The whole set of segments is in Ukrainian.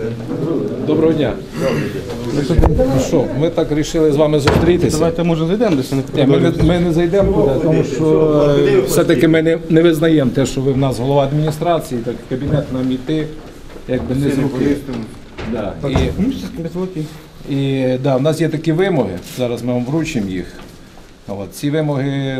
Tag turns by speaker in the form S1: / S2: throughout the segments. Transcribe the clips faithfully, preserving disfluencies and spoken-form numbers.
S1: Доброго дня. Ну що, ми так вирішили з вами зустрітися.
S2: Давайте, може, зайдемо десь.
S1: Ні, ми, не, ми не зайдемо туди, тому що е, все-таки ми не, не визнаємо те, що ви в нас голова адміністрації, так в кабінет нам іти, якби не з руки. Да. І, і да, в нас є такі вимоги, зараз ми вам вручимо їх. От, ці вимоги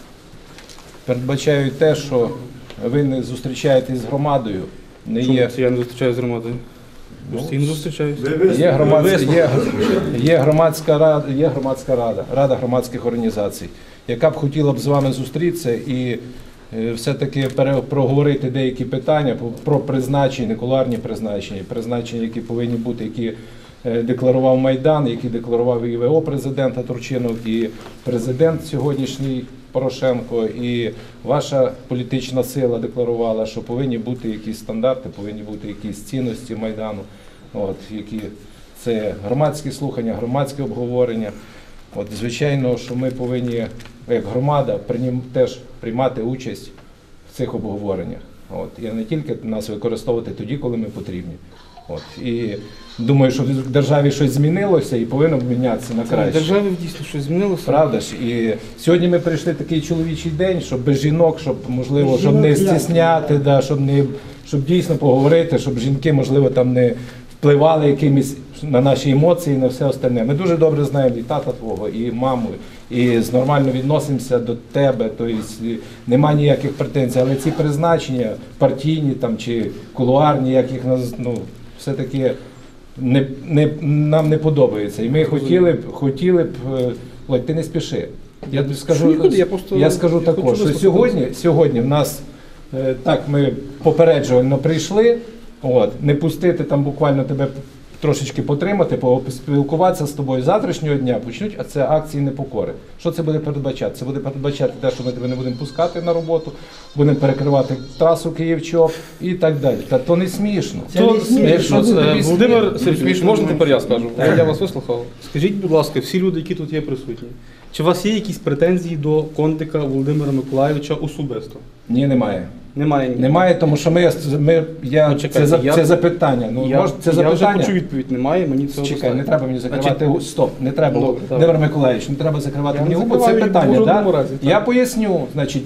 S1: передбачають те, що ви не зустрічаєтесь з громадою. Не
S2: Чому
S1: є...
S2: це я не зустрічаюся з громадою? Постійно зустрічаюся.
S1: Є громадська, є, є, громадська рада, є громадська рада, рада громадських організацій, яка б хотіла б з вами зустрітися і е, все-таки проговорити деякі питання про призначення, кулуарні призначення, призначення, які повинні бути, які е, декларував Майдан, які декларував і ВО президента Турчинов, і президент сьогоднішній Порошенко, і ваша політична сила декларувала, що повинні бути якісь стандарти, повинні бути якісь цінності Майдану. От, які це громадські слухання, громадське обговорення. От, звичайно, що ми повинні, як громада, прийнім, теж приймати участь в цих обговореннях. От, і не тільки нас використовувати тоді, коли ми потрібні. От, і думаю, що в державі щось змінилося і повинно мінятися на краще.
S2: В державі дійсно щось змінилося.
S1: Правда ж? І сьогодні ми прийшли такий чоловічий день, щоб без жінок, щоб, можливо, щоб не стісняти, да, щоб, не, щоб дійсно поговорити, щоб жінки, можливо, там не впливали якимись на наші емоції, на все остальне. Ми дуже добре знаємо і тата твого, і маму, і нормально відносимося до тебе, тобто немає ніяких претензій, але ці призначення партійні там, чи кулуарні, як їх, ну, все-таки не, не, нам не подобається. І ми хотіли б, хотіли б, Володь, ти не спіши. Я тобі скажу,
S2: я, просто,
S1: я скажу я також, що сьогодні, сьогодні в нас, так, ми попереджувально прийшли, от, не пустити там буквально тебе трошечки потримати, поспілкуватися з тобою. Завтрашнього дня почнуть, а це акції непокори. Що це буде передбачати? Це буде передбачати те, що ми тебе не будемо пускати на роботу, будемо перекривати трасу Київ-Чоп і так далі. Та то не смішно.
S2: Це то, не смішно. Якщо це,
S1: тобі
S2: Володимир Сергійович, можна тепер я скажу? Я вас вислухав. Скажіть, будь ласка, всі люди, які тут є присутні, чи у вас є якісь претензії до Кондика Володимира Миколайовича особисто?
S1: Ні, немає.
S2: Немає.
S1: Немає, тому що ми, ми я,
S2: ну, чекайте,
S1: це,
S2: я,
S1: це запитання. Ну,
S2: я,
S1: може, це
S2: я
S1: запитання.
S2: вже почув відповідь, немає, мені це
S1: Чекай,
S2: достатньо.
S1: не треба мені закривати. Значить, стоп, не треба,
S2: добре,
S1: Володимир Миколайович, не треба закривати
S2: я
S1: мені
S2: не
S1: губу. Це питання, да?
S2: разі,
S1: Я поясню, значить,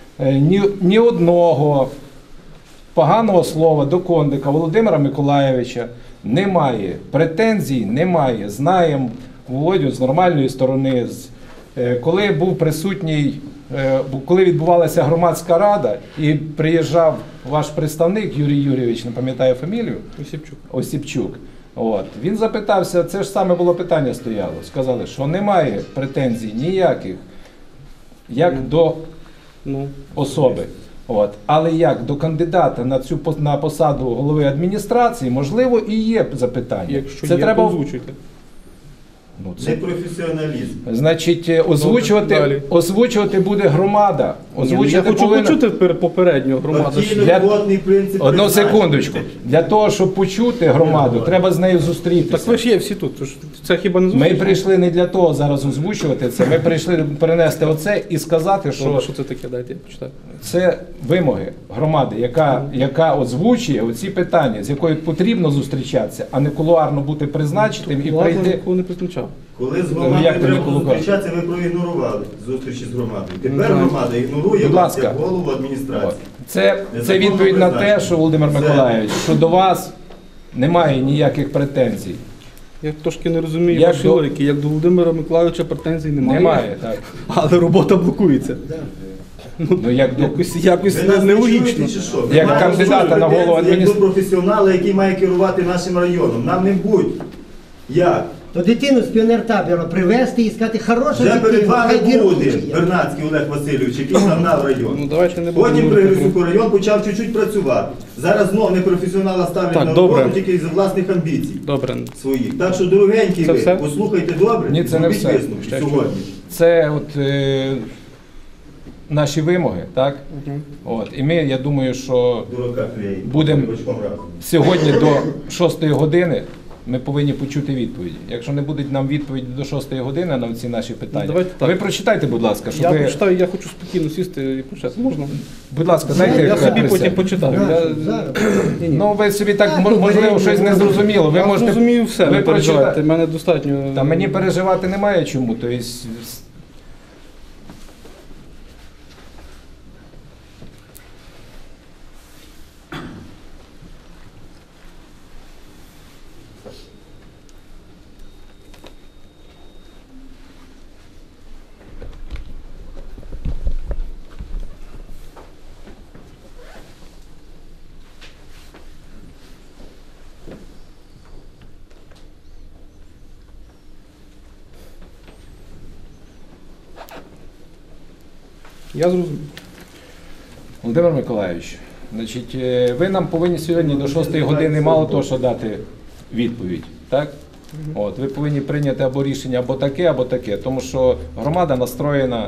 S1: ні, ні одного поганого слова до Кондика Володимира Миколайовича немає. Претензій немає. Знаємо Володю з нормальної сторони. Коли був присутній, коли відбувалася громадська рада і приїжджав ваш представник Юрій Юрійович, не пам'ятаю фамілію,
S2: Осіпчук.
S1: Осіпчук. От. Він запитався, це ж саме було питання стояло, сказали, що немає претензій ніяких, як mm. до ну. особи. От. Але як до кандидата на цю на посаду голови адміністрації, можливо, і є запитання.
S2: Якщо
S1: це
S2: є,
S1: треба
S2: озвучуйте.
S1: Ну, це
S3: професіоналізм.
S1: Значить, озвучувати, озвучувати буде громада.
S2: Озвучувати я хочу повинна... почути попередньо громаду.
S1: Для... Одну секундочку. Для того, щоб почути громаду, не, треба з нею зустрітися.
S2: Так ви ж є всі тут. Це хіба не зустріч?
S1: Ми прийшли не для того зараз озвучувати це. Ми прийшли перенести оце і сказати, що...
S2: Добре, що це таке? Дайте я почитаю.
S1: Це вимоги громади, яка, яка озвучує оці питання, з якою потрібно зустрічатися, а не кулуарно бути призначеним і прийти...
S2: не призначав.
S3: Коли з громадою треба зустрічатися, ви проігнорували зустрічі з громадою. Тепер громада ігнорує вас як голову адміністрації.
S1: Це, це відповідь на те, що, Володимир Миколайович, що до вас немає ніяких претензій.
S2: Я трошки не розумію як ваші до... логіки. Як до Володимира Миколайовича претензій немає.
S1: Немає, так.
S2: Але робота блокується.
S1: Ну, як до...
S2: Якось, якось нелогічно.
S1: Як кандидата на голову адміністрації.
S3: Як до професіонала, який має керувати нашим районом. Нам не будь. Як?
S4: То дитину з піонертабору привезти і сказати, хороша
S3: вже
S4: дитина,
S3: перед вами буде
S4: хай
S3: Бернацький Олег Васильович, який загнав район.
S2: Ну, давайте не
S3: Потім при Грицюку район почав чуть-чуть працювати. Зараз знов непрофесіонала ставлять
S2: так,
S3: на роботу тільки із власних амбіцій
S2: добре.
S3: своїх. Так що, дорогенькі ви,
S2: все?
S3: послухайте добре,
S1: ні, це не все.
S3: Сьогодні.
S1: Це от е, наші вимоги, так? Угу. От, і ми, я думаю, що будемо сьогодні до шостої години Ми повинні почути відповіді. Якщо не будуть нам відповіді до шостої години на ці наші питання,
S2: давайте так.
S1: ви прочитайте, будь ласка, щоб
S2: Я
S1: ви...
S2: прочитаю, я хочу спокійно сісти і почати. Можна?
S1: Будь ласка, дайте
S2: Я собі
S1: присягу.
S2: потім почитаю. Я...
S4: Зараз.
S2: Ні, ні.
S1: Ну, ви собі так,
S4: Так,
S1: мож-
S4: ну,
S1: можливо,
S4: ви-
S1: щось не зрозуміло. Ви
S2: Я
S1: можете...
S2: розумію все,
S1: ви
S2: не переживайте,
S1: прочитайте.
S2: мене достатньо...
S1: Та мені переживати немає чому. Тобто,
S2: Я зрозумів.
S1: Володимир Миколайович, значить, е, ви нам повинні сьогодні до шостої години мало того, що дати відповідь, так? От, ви повинні прийняти або рішення або таке, або таке, тому що громада настроєна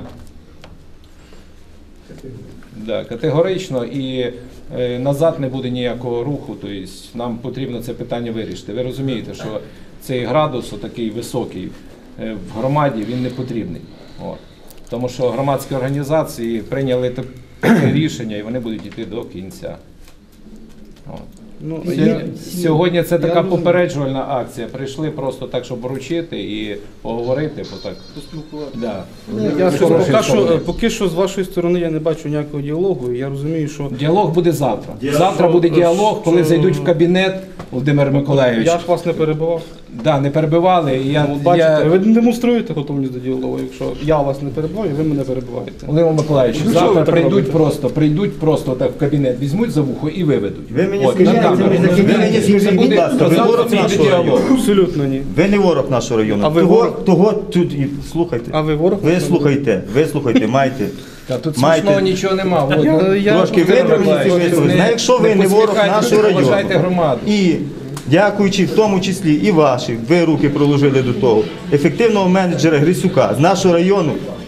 S1: да, категорично і е, назад не буде ніякого руху, тобто нам потрібно це питання вирішити. Ви розумієте, що цей градус такий високий е, в громаді, він не потрібний. От. Тому що громадські організації прийняли таке рішення і вони будуть йти до кінця. От.
S2: Ну,
S1: Сьогодні,
S2: я-
S1: сьогодні це
S2: я
S1: така
S2: розумію.
S1: попереджувальна акція. Прийшли просто так, щоб вручити і поговорити. Бо так. Да.
S2: Я
S1: Ви
S2: скажу,
S1: хороший
S2: поки що,
S1: чоловік.
S2: поки що з вашої сторони я не бачу ніякого діалогу, і я розумію, що
S1: Діалог буде завтра.
S3: Діалог,
S1: Завтра буде
S2: що-
S1: діалог, коли
S2: що-
S1: зайдуть в кабінет Володимир Миколайович.
S2: я ж вас не перебивав.
S1: Да, не перебивали. І я,
S2: Ну, от бачите,
S1: я...
S2: ви не демонструєте готовність до діалогу, якщо я вас не перебиваю, ви мене перебиваєте.
S1: Володимир Миколайович,
S2: Ну, чого ви
S1: завтра
S2: так
S1: прийдуть
S2: робите?
S1: просто, прийдуть просто так в кабінет, візьмуть за вухо і виведуть.
S3: Ви мені
S1: От,
S3: скажіть,
S1: на камеру.
S3: ви мені скажіть,
S1: Це
S3: будь
S1: буде-
S3: ласка, ви
S1: завтра
S3: ворог
S1: буде
S3: нашого
S1: діалог.
S3: району?
S2: Абсолютно ні.
S3: Ви не ворог нашого району.
S2: А ви
S3: того,
S2: ворог?
S3: того тут і слухайте.
S2: А ви ворог?
S3: Ви слухайте, ви слухайте, маєте.
S1: Та тут
S3: Маєте-
S1: смішного нічого нема. От,
S2: Я-
S1: ну,
S2: я-
S3: Трошки
S1: Володимир
S3: виправніться,
S1: Миколайович,
S3: висловитися.
S1: не-
S3: Ну, якщо ви
S1: не
S3: не ворог
S1: посміхайтесь,
S3: нашого
S1: поважайте
S3: району.
S1: громаду.
S3: І дякуючи в тому числі і ваші, ви руки проложили до того, ефективного менеджера Грисюка з нашого району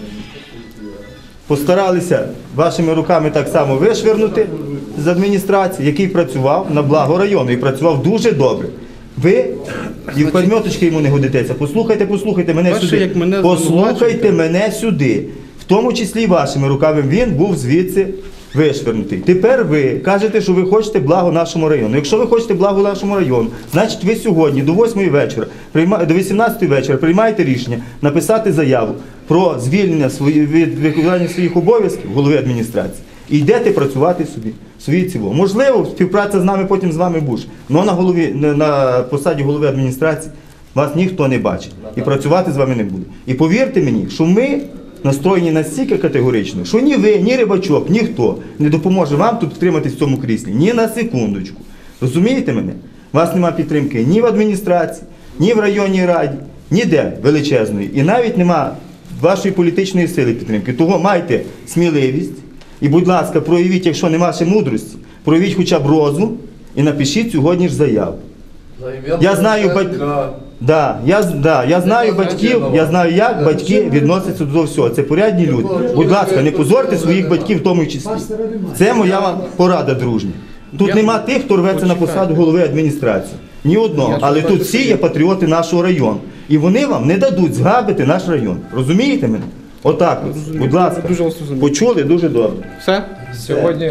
S3: постаралися вашими руками так само вишвернути з адміністрації, який працював на благо району і працював дуже добре. Ви і в подмьоточки йому не годитеся. Послухайте, послухайте мене
S2: Бачите,
S3: сюди.
S2: як мене
S3: Послухайте
S2: звинувачуєте?
S3: мене сюди. В тому числі і вашими руками він був звідси вишвернутий. Тепер ви кажете, що ви хочете благо нашому району. Якщо ви хочете благо нашому району, значить ви сьогодні до восьмої вечора, прийма- до вісімнадцятої вечора приймаєте рішення написати заяву про звільнення свої- від виконання своїх обов'язків голови адміністрації. І йдете працювати собі, свої ціло. Можливо, співпраця з нами потім з вами буде. Але на голові, на- на посаді голови адміністрації вас ніхто не бачить. І працювати з вами не буде. І повірте мені, що ми настроєні настільки категорично, що ні ви, ні Рибачок, ніхто не допоможе вам тут втриматись в цьому кріслі. Ні на секундочку. Розумієте мене? У вас нема підтримки ні в адміністрації, ні в районній раді, ніде величезної. І навіть нема вашої політичної сили підтримки. Того майте сміливість і, будь ласка, проявіть, якщо нема ще мудрості, проявіть хоча б розум і напишіть сьогодні ж заяву. Я знаю, бать- Да, я, з- да, я знаю батьків, я знаю, як батьки відносяться до всього. Це порядні люди. Будь ласка, не позорте своїх батьків в тому числі. Це моя вам порада, дружня. Тут
S2: Я-
S3: нема тих, хто рветься на посаду голови адміністрації. Ні одного.
S2: Я
S3: Але
S2: шукаю
S3: тут всі
S2: собі.
S3: є патріоти нашого району. І вони вам не дадуть згабити наш район. Розумієте мене? Отак. от.
S2: Розумію.
S3: Будь ласка.
S2: Дуже вас розумію.
S3: Почули дуже добре.
S2: Все?
S1: Сьогодні,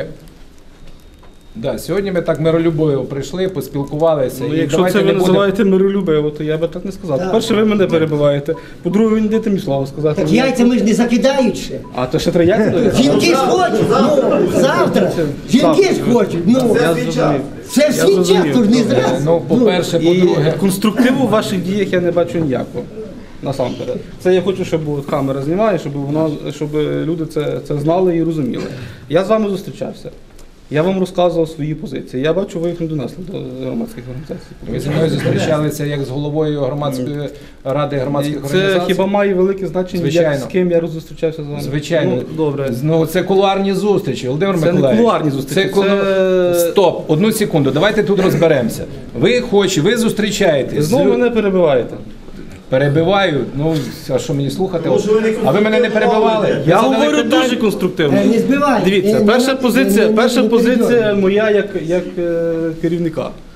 S1: да, сьогодні ми так миролюбово прийшли, поспілкувалися.
S2: Ну,
S1: і
S2: якщо
S1: давайте
S2: це ви
S1: не будемо-
S2: називаєте миролюбиво, то я би так не сказав.
S4: Так.
S2: По-перше, ви мене перебиваєте. По-друге, ви не даєте мені слово сказати.
S4: Так яйця ми ж не закидають ще.
S2: А, то ще три яйця даєте?
S4: Жінки ж хочуть, ну, завтра. Жінки ж хочуть, ну.
S2: Я зрозумів.
S4: Це ж
S2: Я
S4: свій час,
S2: зрозумів.
S4: то ж не
S1: Е,
S4: зря.
S1: Ну, по-перше,
S2: І
S1: по-друге,
S2: конструктиву в ваших діях я не бачу ніякого. Насамперед. Це я хочу, щоб от камера знімає, щоб вона, щоб люди це, це знали і розуміли. Я з вами зустрічався. Я вам розказував свої позиції. Я бачу, ви їх не донесли до громадських організацій.
S1: ви зі мною зустрічалися як з головою громадської ради громадських
S2: Це
S1: організацій.
S2: хіба має велике значення,
S1: Звичайно.
S2: як, з ким я зустрічався з вами?
S1: Звичайно.
S2: Ну, добре.
S1: Ну, це кулуарні зустрічі, Володимир
S2: Це не
S1: Миколаївич.
S2: кулуарні зустрічі,
S1: Це кулу-
S2: це-
S1: Стоп, одну секунду, давайте тут розберемося. Ви хочете, ви зустрічаєтесь.
S2: Знову
S1: з-
S2: мене перебиваєте.
S1: Перебиваю, ну, а що мені слухати?
S3: Тому що ви не
S1: А ви мене не перебивали?
S3: конструктивно
S1: Ви
S2: Я
S1: задали
S2: говорю
S1: питання.
S2: дуже конструктивно.
S4: Е, Не збивай.
S2: Дивіться,
S4: Е,
S2: перша
S4: не-
S2: позиція,
S4: не- не-
S2: перша
S4: не
S2: позиція
S4: перебивай.
S2: моя як, як е, керівника.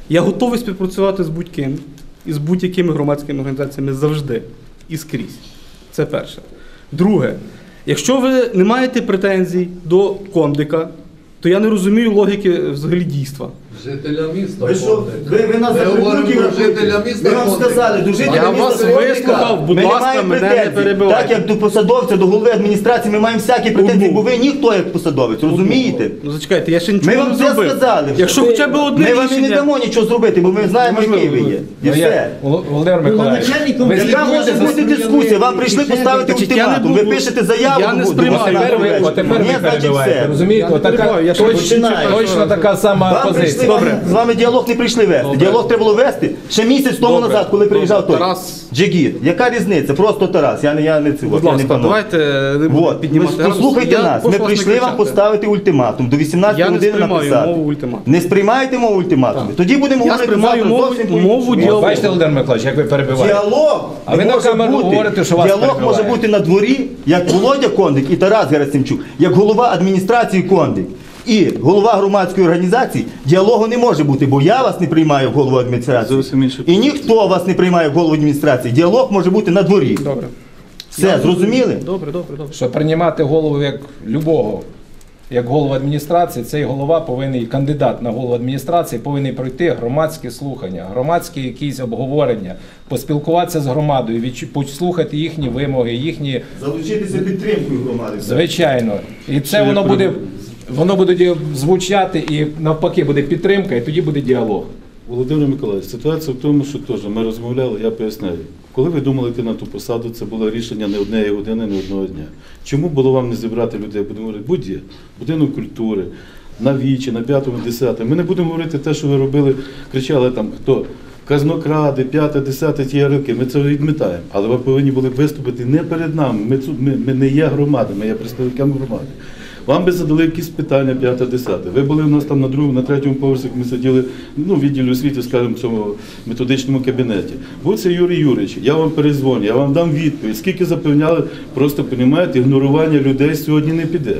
S2: Я готовий співпрацювати з будь-ким і з будь-якими громадськими організаціями завжди і скрізь. Це перше. Друге, якщо ви не маєте претензій до Кондика, то я не розумію логіки взагалі дійства.
S5: Жителя міста.
S3: Ви що, ви, ви нас
S5: Ми говоримо
S3: закрутили,
S5: про жителя міста.
S3: Ми вам сказали, до жителя
S2: Я
S3: міста
S2: вас
S3: Кондика
S2: вислухав, будь
S3: ми не
S2: ласка,
S3: маємо
S2: мене не
S3: претензій.
S2: перебивайте.
S3: Так як до посадовця, до голови адміністрації ми маємо всякі претензії,
S2: Одну.
S3: бо ви ніхто як посадовець, розумієте?
S2: Ну зачекайте, я ще нічого
S3: Ми вам
S2: не
S3: все
S2: зробив.
S3: сказали.
S2: Якщо хоча б одне
S3: Ми вам і не
S2: рішення...
S3: дамо нічого зробити, бо ми знаємо,
S2: Можливо,
S3: який ви є. І
S1: Ну, я-
S3: все.
S1: Вол- Володимир Миколаївич,
S4: начальником
S1: ви
S4: яка
S3: Яка
S1: слідкуєте
S3: може
S1: за
S3: бути
S4: своїми
S3: дискусія? Вам прийшли
S4: рішеннями.
S3: поставити
S2: Значить, я не
S3: ультиматум. Ви
S2: буду-
S3: пишете заяву,
S2: я не
S3: буде,
S2: сприймаю.
S3: вона
S1: Тепер ви,
S3: вечір.
S1: от тепер
S3: Ні,
S1: ви
S3: значить,
S1: перебиваєте.
S3: все.
S1: Розумієте,
S2: Я не
S1: отака
S2: перебиваю, я ще
S1: точно,
S3: починаю.
S1: точно така сама
S3: Вам прийшли,
S1: позиція.
S3: вам, з вами діалог не прийшли вести. Діалог треба було вести ще місяць тому
S2: Добре.
S3: назад, коли приїжджав той
S2: Тарас.
S3: Джигіт. Яка різниця? Просто Тарас. Я не я не цього.
S2: Будь
S3: я не
S2: ласка,
S3: пану.
S2: давайте не будемо
S3: Вот.
S2: піднімати
S3: Ви
S2: градус.
S3: послухайте
S2: Я
S3: нас.
S2: прошу
S3: Ми
S2: вас
S3: прийшли
S2: не
S3: вам
S2: кричати.
S3: поставити ультиматум. До вісімнадцятої
S2: Я не
S3: години
S2: сприймаю
S3: написати.
S2: мову ультиматуму.
S3: Не сприймаєте мову ультиматуму? Тоді будемо
S2: Я
S3: говорити
S2: сприймаю
S3: завтра
S2: мову-
S3: зовсім
S2: мову
S3: по-іншому.
S2: діалогу.
S1: Бачите, Володимир Миколаївич, як ви перебиваєте?
S3: Діалог
S1: А ви
S3: не
S1: на
S3: може
S1: камеру
S3: бути.
S1: говорите, що вас
S3: Діалог може
S1: перебивають.
S3: бути на дворі, як Володя Кондик і Тарас Герасимчук, як голова адміністрації Кондик. І голова громадської організації діалогу не може бути, бо я вас не приймаю в голову адміністрації.
S6: Зовсім інше.
S3: І ніхто вас не приймає в голову адміністрації. Діалог може бути на дворі.
S2: Добре.
S3: Все, зрозуміли?
S2: Добре, добре, добре.
S1: Що приймати голову як любого, як голову адміністрації, цей голова повинен, кандидат на голову адміністрації повинен пройти громадські слухання, громадські якісь обговорення, поспілкуватися з громадою, відчу- послухати їхні вимоги, їхні,
S3: Залучитися підтримкою громади.
S1: звичайно. І це
S6: я
S1: воно
S6: переб-
S1: буде, воно буде ді- звучати і навпаки буде підтримка, і тоді буде діалог.
S6: Володимир Миколаївич, ситуація в тому, що теж ми розмовляли, я поясняю. Коли ви думали йти на ту посаду, це було рішення не однієї години, не одного дня. Чому було вам не зібрати людей? Будемо говорити, будь-є, будинок культури, на Вічі, на п'ятому, десятому. Ми не будемо говорити те, що ви робили, кричали там, хто казнокради, п'яте, десяте, ті роки. Ми це відмітаємо. Але ви повинні були виступити не перед нами. Ми, цу- ми, ми не є громади, ми є представниками громади. Вам би задали якісь питання п'яте, десяте. Ви були у нас там на другому, на третьому поверсі, ми сиділи ну, в відділі освіти, скажімо, в цьому методичному кабінеті. Був це Юрій Юрійович, я вам перезвоню, я вам дам відповідь. Скільки запевняли, просто, розумієте, ігнорування людей сьогодні не піде.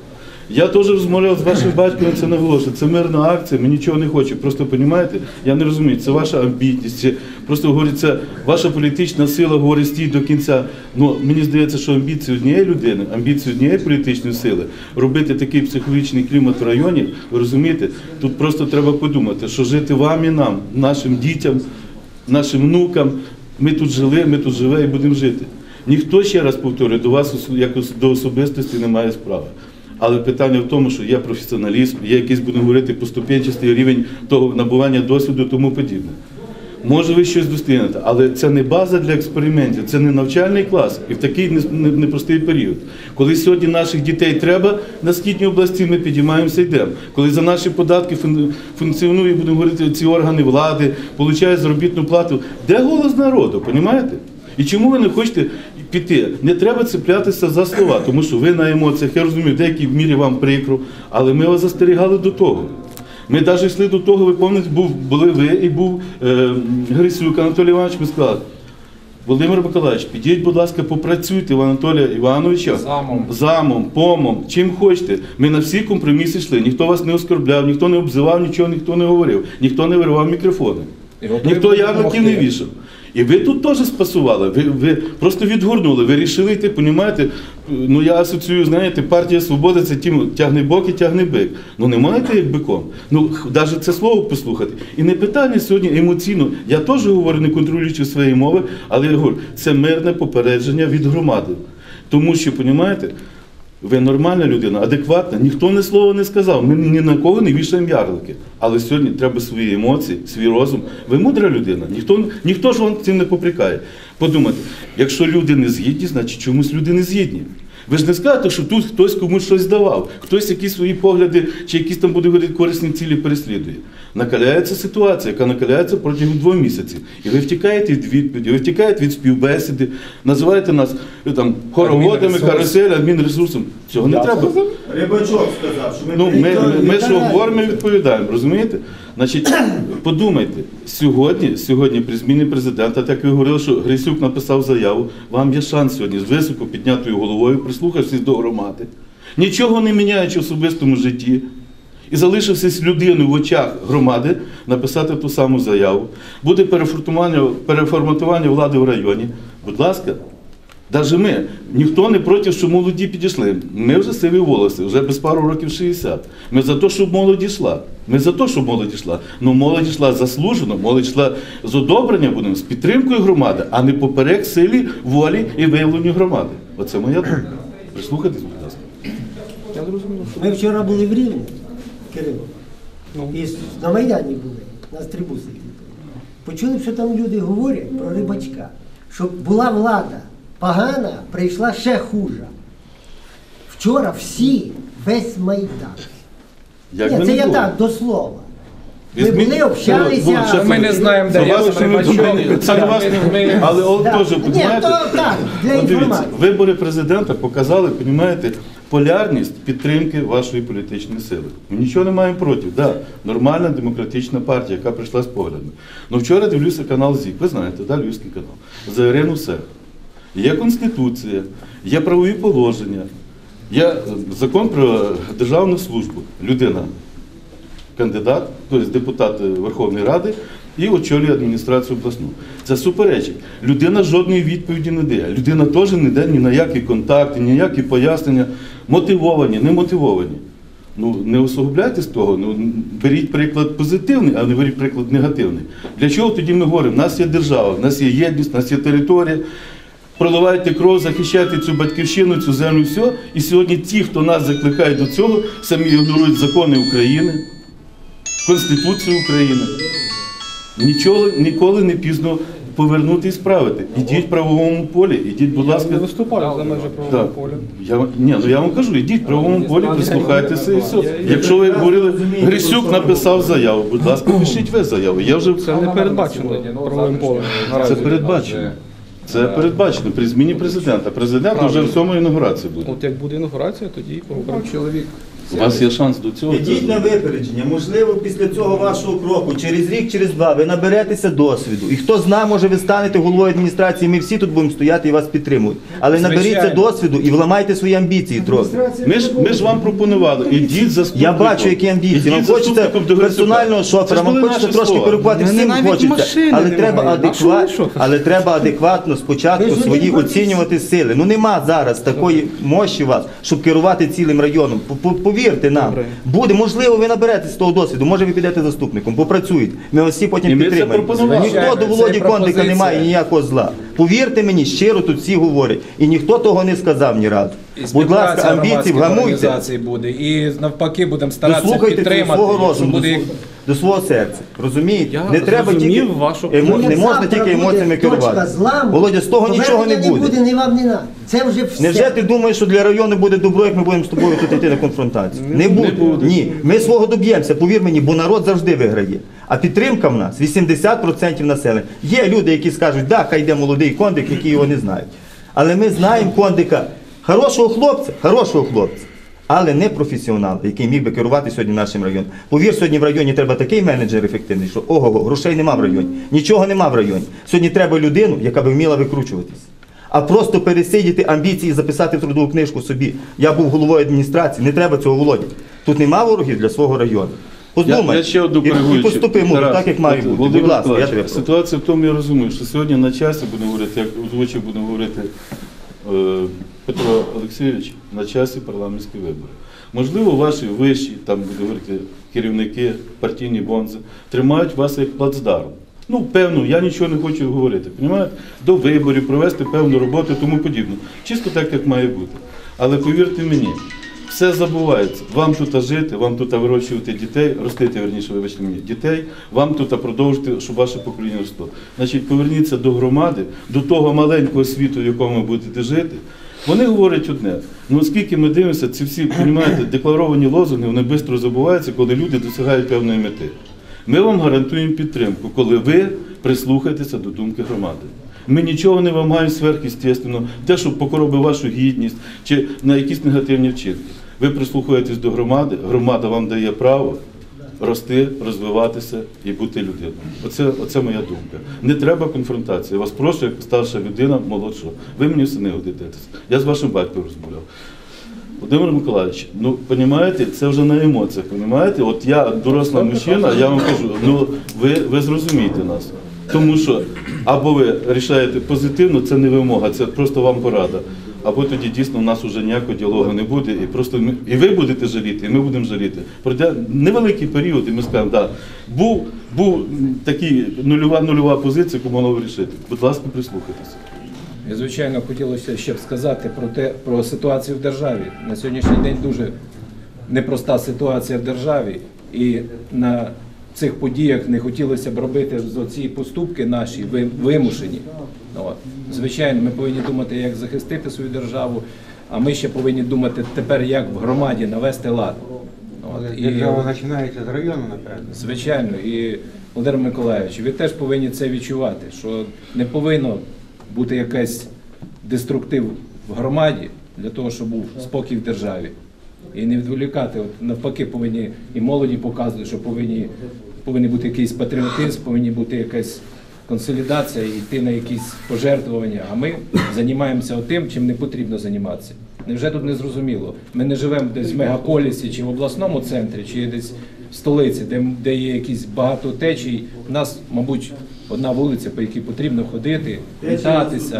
S6: Я теж розмовляв з вашим батьком, це наголошую. Це мирна акція, ми нічого не хочемо. Просто розумієте, я не розумію, це ваша амбітність, це просто говорить, це ваша політична сила говорить стій до кінця. Ну мені здається, що амбіції однієї людини, амбіції однієї політичної сили робити такий психологічний клімат в районі, ви розумієте, тут просто треба подумати, що жити вам і нам, нашим дітям, нашим внукам, ми тут жили, ми тут живе і будемо жити. Ніхто, ще раз повторюю, до вас якось до особистості не має справи. Але питання в тому, що є професіоналізм, є якийсь, будемо говорити, поступенчастий рівень того набування досвіду і тому подібне. Може ви щось достигнете, але це не база для експериментів, це не навчальний клас і в такий не- не- непростий період. Коли сьогодні наших дітей треба на східній області, ми підіймаємося і йдемо. Коли за наші податки фун- функціонує, будемо говорити, ці органи влади, получають заробітну плату, де голос народу, розумієте? І чому ви не хочете піти? Не треба цеплятися за слова, тому що ви на емоціях, я розумію, в деякій мірі вам прикро, але ми вас застерігали до того. Ми навіть йшли до того, ви пам'ятаєте, був, були ви і був е, Грисюк Анатолій Іванович, ми сказали, Володимир Миколаївич, підіть, будь ласка, попрацюйте в Анатолія Івановича
S1: Замом.
S6: замом, помом, чим хочете. Ми на всі компроміси йшли, ніхто вас не оскорбляв, ніхто не обзивав, нічого ніхто не говорив, ніхто не виривав мікрофони,
S1: І готові
S6: ніхто
S1: будемо
S6: ярликів не
S1: допомогти.
S6: вішав. І ви тут теж спасували, ви, ви просто відгорнули, ви рішили йти, розумієте, ну я асоціюю, знаєте, партія Свободи це тім, тягне бок і тягне бик. Ну не маєте як биком. Ну навіть це слово послухати. І не питання сьогодні емоційно, я теж говорю, не контролюючи свої мови, але я говорю, це мирне попередження від громади. Тому що, розумієте, ви нормальна людина, адекватна, ніхто ні слова не сказав, ми ні на кого не вішаємо ярлики. Але сьогодні треба свої емоції, свій розум. Ви мудра людина, ніхто, ніхто ж вам цим не попрекає. Подумайте, якщо люди не згідні, значить чомусь люди не згідні. Ви ж не скажете, що тут хтось комусь щось давав, хтось якісь свої погляди чи якісь там буде говорити корисні цілі переслідує. Накаляється ситуація, яка накаляється протягом двох місяців. І ви втікаєте від відповіді, ви втікаєте від співбесіди, називаєте нас е, там хороводами,
S1: Адмінресурс.
S6: карусель, адмінресурсом. Цього не треба.
S3: Рибачок сказав, що ми
S6: Ну, ми,
S3: приїхали,
S6: ми, ми
S3: не
S6: що
S3: караємо.
S6: говоримо, ми відповідаємо, розумієте? Значить, подумайте, сьогодні, сьогодні при зміні президента, так ви говорили, що Грисюк написав заяву, вам є шанс сьогодні з високо піднятою головою прислухатися до громади, нічого не міняючи в особистому житті, і залишився людиною в очах громади написати ту саму заяву, буде переформатування, переформатування влади в районі, будь ласка, навіть ми, ніхто не проти, що молоді підійшли. Ми вже сиві волоси, вже без пару років шістдесят. Ми за те, щоб молодь йшла. Ми за те, щоб молодь йшла. Ну молодь йшла заслужено, молодь йшла з одобренням, будемо, з підтримкою громади, а не поперек силі, волі і виявленню громади. Оце моя думка. Прислухайтесь, будь ласка.
S2: Я зрозумів, що
S4: Ми вчора були в Рівні, Кирило,
S2: Ну.
S4: і на Майдані були, на стрибу сиділи. Почули, що там люди говорять про рибачка, що була влада погана, прийшла ще хужа. Вчора всі, весь Майдан.
S6: Як
S4: Ні,
S6: би
S4: це
S6: не
S4: я
S6: було.
S4: так, до слова. Ми
S6: Візьміть-
S4: були, общалися.
S6: Ну,
S1: Ми не знаємо, де
S6: Це
S1: я
S6: вас,
S1: Рибачок.
S6: це не вас,
S1: Ми-
S6: але от
S4: Да.
S6: теж,
S4: Ні,
S6: розумієте,
S4: то так, для
S6: от дивіться,
S4: інформації.
S6: вибори президента показали, розумієте, полярність підтримки вашої політичної сили. Ми нічого не маємо проти. Да, нормальна демократична партія, яка прийшла з поглядами. Ну вчора дивлюся канал ЗІК, ви знаєте, да, Львівський канал, за Ірину Сех. Є Конституція, є правові положення, є е, закон про державну службу. Людина кандидат, тобто депутат Верховної Ради, і очолює адміністрацію обласну. Це суперечить. Людина жодної відповіді не дає. Людина теж не дає ні на які контакти, ні на які пояснення. Мотивовані, не мотивовані. Ну, не усугубляйте з того, ну, беріть приклад позитивний, а не беріть приклад негативний. Для чого тоді ми говоримо? У нас є держава, у нас є єдність, у нас є територія. Проливайте кров, захищайте цю батьківщину, цю землю, все. І сьогодні ті, хто нас закликає до цього, самі ігнорують закони України, Конституцію України. Нічого, ніколи не пізно повернути і справити. Ідіть в правовому полі, ідіть, будь
S2: я
S6: ласка.
S2: не виступаю за межі правового
S6: Так.
S2: поля.
S6: Я, ні, ну я вам кажу, ідіть в правовому полі, прислухайтеся і все. Якщо ви говорили, Грисюк написав заяву, будь ласка, пишіть ви заяву. Я вже...
S2: Це не передбачено правовим полем. наразі.
S6: Це передбачено. Це передбачено при зміні президента. Президент вже в цьому інаугурації буде.
S2: От як буде інаугурація, тоді поговоримо.
S1: Чоловік.
S6: У вас є шанс до цього.
S3: Ідіть на випередження. Можливо, після цього вашого кроку, через рік, через два, ви наберетеся досвіду. І хто знає, може ви станете головою адміністрації, ми всі тут будемо стояти і вас підтримують. Але наберіться
S1: Звичайно.
S3: досвіду і вламайте свої амбіції трохи.
S6: Ми ж, ми ж вам пропонували, ідіть заступником.
S3: Я бачу, які амбіції. Вам
S6: Ідіть
S3: хочеться
S6: заступником до Грицюка.
S3: персонального
S6: Це
S3: шофера,
S6: ж
S3: вам
S6: були
S3: хочеться
S6: наші
S3: трошки
S6: слова.
S3: перекувати,
S2: Мене
S3: всім
S2: навіть
S3: хочеться.
S2: машини
S3: Але
S2: немає.
S3: треба,
S2: А що ви
S3: адекват...
S2: шофер?
S3: але треба адекватно спочатку
S4: Ви ж
S3: свої
S4: один проти
S3: оцінювати сили. Ну нема зараз такої мощі у вас, щоб керувати цілим районом. П- Повірте нам.
S2: Добре.
S3: Буде, можливо, ви наберетесь того досвіду, може ви підете заступником, попрацюєте. Ми вас всі потім
S6: І ми це
S3: підтримаємо.
S6: пропонували.
S3: Ніхто до
S1: Звичайно,
S3: Володі
S1: це
S3: Кондика
S1: пропозиція.
S3: не має ніякого зла. Повірте мені, щиро тут всі говорять. І ніхто того не сказав ні разу.
S1: І
S3: Будь
S1: співпраця
S3: ласка, амбіції
S1: громадських
S3: вгамуйте.
S1: організацій буде. І навпаки будемо старатися
S3: Дослухайте до
S1: підтримати.
S3: свого
S1: якщо
S3: розуму, до,
S1: буде
S3: свого- до свого серця. Розумієте?
S2: Я
S3: не треба тільки
S2: зрозумів вашу-
S3: емо-
S4: Ну,
S3: не
S4: як
S3: можна
S4: завтра
S3: тільки
S4: буде
S3: емоціями
S4: точка
S3: керувати.
S4: зламу,
S3: Володя, з того нічого не
S4: повернення
S3: буде.
S4: ні вам, ні нам. Це вже все.
S3: Невже ти думаєш, що для району буде добро, як ми будемо з тобою тут йти на конфронтацію? Не буде.
S6: буде.
S3: Ні. Ми свого доб'ємося, повір мені, бо народ завжди виграє. А підтримка в нас вісімдесят відсотків населення. Є люди, які скажуть, да, хай йде молодий кондик, які його не знають. Але ми знаємо кондика, хорошого хлопця, хорошого хлопця, але не професіонала, який міг би керувати сьогодні нашим районом. Повір, сьогодні в районі треба такий менеджер ефективний, що ого, грошей нема в районі, нічого нема в районі. Сьогодні треба людину, яка би вміла викручуватись. А просто пересидіти амбіції і записати в трудову книжку собі. Я був головою адміністрації, не треба цього, Володя. Тут нема ворогів для свого району.
S6: Я,
S3: Подумай
S6: я ще одну
S3: і, і
S6: коригуючу.
S3: поступи мудро,
S6: Тарас,
S3: так, як має
S6: от,
S3: бути.
S6: Володимир
S3: Будь ласка, я
S6: Миколаївич,
S3: тебе прошу.
S6: ситуація в тому, я розумію, що сьогодні на часі будемо говорити, як озвучив будемо говорити е, Петро Олексійович, на часі парламентські вибори. Можливо, ваші вищі, там буде говорити керівники, партійні бонзи, тримають вас як плацдарм. Ну, певно, я нічого не хочу говорити, понімаєте? До виборів, провести певну роботу і тому подібне. Чисто так, як має бути. Але повірте мені, все забувається. Вам тут жити, вам тут вирощувати дітей, ростити, верніше, вибачте мені, дітей, вам тут продовжити, щоб ваше покоління росло. Значить, поверніться до громади, до того маленького світу, в якому ви будете жити. Вони говорять одне. Ну, оскільки ми дивимося, ці всі, розумієте, декларовані лозунги, вони швидко забуваються, коли люди досягають певної мети. Ми вам гарантуємо підтримку, коли ви прислухаєтеся до думки громади. Ми нічого не вимагаємо сверхъестественно, те, що покоробить вашу гідність чи на якісь негативні вчинки. Ви прислухаєтесь до громади, громада вам дає право рости, розвиватися і бути людиною. Оце, оце моя думка. Не треба конфронтації. Я вас прошу, як старша людина, молодша. Ви мені все не годитесь. Я з вашим батьком розмовляв. Володимир Миколаївич, ну, розумієте, це вже на емоціях, розумієте? От я, доросла мужчина, я вам кажу, ну, ви, ви зрозумієте нас. Тому що або ви рішаєте позитивно, це не вимога, це просто вам порада. Або тоді дійсно у нас вже ніякого діалогу не буде, і просто ми, і ви будете жаліти, і ми будемо жаліти. Пройде невеликий період, і ми скажемо, так, да, був, був такий нульова, нульова позиція, яку могли вирішити. Будь ласка, прислухайтеся.
S1: І, звичайно, хотілося ще б сказати про те, про ситуацію в державі. На сьогоднішній день дуже непроста ситуація в державі, і на цих подіях не хотілося б робити ці поступки наші ви- вимушені. От. Звичайно, ми повинні думати, як захистити свою державу, а ми ще повинні думати тепер, як в громаді навести лад. От. І,
S5: Держава починається з району, напевно.
S1: звичайно, і Володимир Миколаївич, ви теж повинні це відчувати, що не повинно бути якийсь деструктив в громаді для того, щоб був спокій в державі. І не відволікати, от навпаки, повинні і молоді показувати, що повинні, повинен бути якийсь патріотизм, повинні бути якась консолідація і йти на якісь пожертвування. А ми займаємося тим, чим не потрібно займатися. Невже тут не зрозуміло? Ми не живемо десь в мегаполісі чи в обласному центрі, чи десь в столиці, де, де є якісь багато течій. У нас, мабуть, одна вулиця, по якій потрібно ходити, вітатися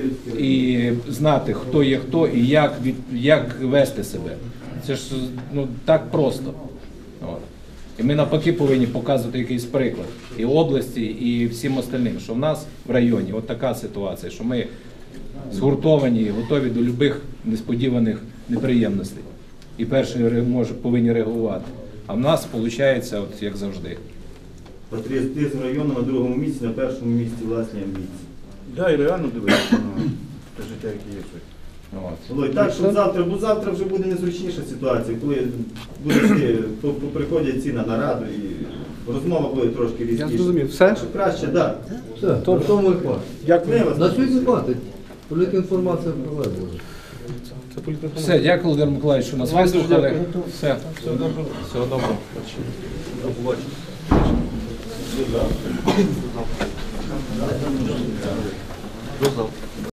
S1: і знати, хто є хто і як, від, як вести себе. Це ж ну, так просто. От. І ми навпаки повинні показувати якийсь приклад і області, і всім остальним, що в нас в районі от така ситуація, що ми згуртовані і готові до будь-яких несподіваних неприємностей. І перші ре- може, повинні реагувати. А в нас виходить, от як завжди.
S3: Патріотизм району на другому місці, на першому місці власні амбіції.
S7: Да, і реально дивитися на те життя, яке є.
S1: От.
S3: Володь, так, що завтра, бо завтра вже буде незручніша ситуація, коли буде йти, по- по- приходять ці на нараду і розмова буде трошки
S2: Я
S3: різніша.
S2: зрозумів. Все?
S3: Що краще, так.
S8: Все, на тому і хватить.
S2: Як
S3: Ми вас
S8: На сьогодні хватить. Політінформація проведена.
S2: Це політика.
S1: Все, дякую, Володимир Миколаївич, що нас
S2: Вам дуже
S1: вислухали.
S2: дякую.
S1: Все, всього доброго. Всього доброго.
S7: До завтра.